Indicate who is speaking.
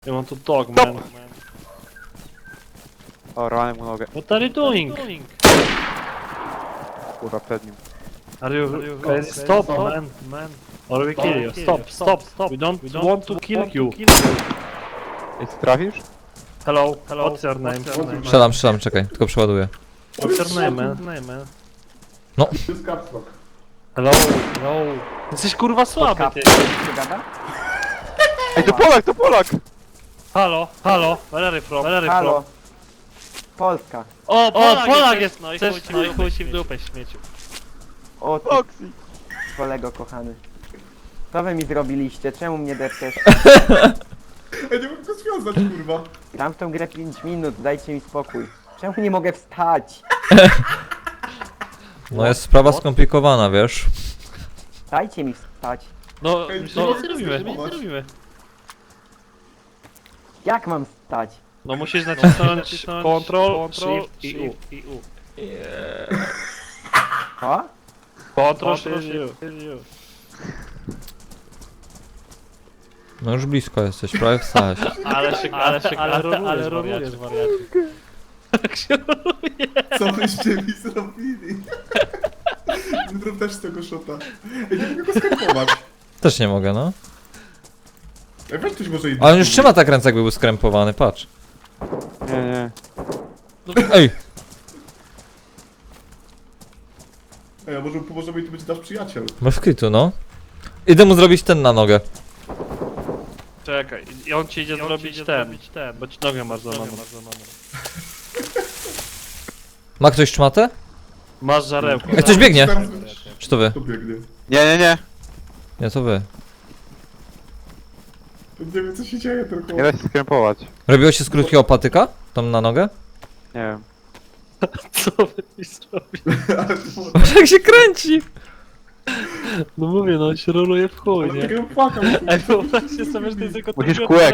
Speaker 1: I want to talk, man.
Speaker 2: O, rwałem mu nogę.
Speaker 1: What are you doing?
Speaker 2: Kurwa, przed nim.
Speaker 1: Are you crazy? Stop, man. Or we kill you. Stop. We don't want to kill you.
Speaker 2: Jeśli trafisz?
Speaker 1: Hello. What's your name?
Speaker 3: Strzelam, czekaj, tylko przeładuję.
Speaker 1: What's your name, man?
Speaker 3: No.
Speaker 4: To jest caps lock.
Speaker 1: Hello. Jesteś kurwa słaby, ty.
Speaker 2: Ej, to Polak, to Polak!
Speaker 1: Halo. Where are you from?
Speaker 5: Halo. Polska.
Speaker 1: O, Polak jest, no i chuj ci w dupę, śmieciu.
Speaker 5: O ty,
Speaker 2: Oxy!
Speaker 5: kolego kochany. Co wy mi zrobiliście? Czemu mnie depczesz?
Speaker 4: Ej, nie mogę go związać, kurwa.
Speaker 5: Gram w tą grę 5 minut, dajcie mi spokój. Czemu nie mogę wstać?
Speaker 3: No jest sprawa skomplikowana, wiesz?
Speaker 5: Dajcie mi wstać.
Speaker 1: No,
Speaker 4: Ej,
Speaker 1: nic
Speaker 4: no,
Speaker 1: nie robimy.
Speaker 5: Jak mam wstać?
Speaker 1: No musisz nacisnąć Ctrl, Shift i U.
Speaker 5: O?
Speaker 1: Ctrl, Shift i U.
Speaker 3: No już blisko jesteś, prawie wstałeś.
Speaker 1: Ale rolujesz, wariacie.
Speaker 4: Co byście mi zrobili? Zrób też z tego shota. Ej, nie mogę go skrępować.
Speaker 3: Też nie mogę, no.
Speaker 4: Ej, weź ktoś może
Speaker 3: Ale on już trzyma tak ręce, jakby był skrępowany, patrz.
Speaker 2: Nie.
Speaker 3: Ej!
Speaker 4: Ej, a może pomożemy i to będzie nasz przyjaciel.
Speaker 3: Masz kitu, no. Idę mu zrobić ten na nogę.
Speaker 1: Czekaj, i on ci idzie zrobić ten, bo ci nogę masz złamaną.
Speaker 3: Ma ktoś czmatę?
Speaker 1: Masz żarełko.
Speaker 3: Ej, ktoś biegnie!
Speaker 4: Teraz
Speaker 3: Czy to wy?
Speaker 4: to biegnie.
Speaker 2: Nie.
Speaker 3: Nie, to wy.
Speaker 4: Nie wiem co się dzieje, tylko...
Speaker 2: Nie da się skrępować.
Speaker 3: Robiło się z krótkiego patyka? Tam na nogę?
Speaker 2: Nie wiem.
Speaker 1: Co wy mi zrobić?
Speaker 3: Patrz jak się kręci!
Speaker 1: No mówię, no się roluje w chuj,
Speaker 4: Ale
Speaker 1: nie?
Speaker 4: tak ja płakał.
Speaker 1: Ej, wyobraźcie sobie, że to jest tylko
Speaker 2: Musisz
Speaker 1: tylko
Speaker 2: kółek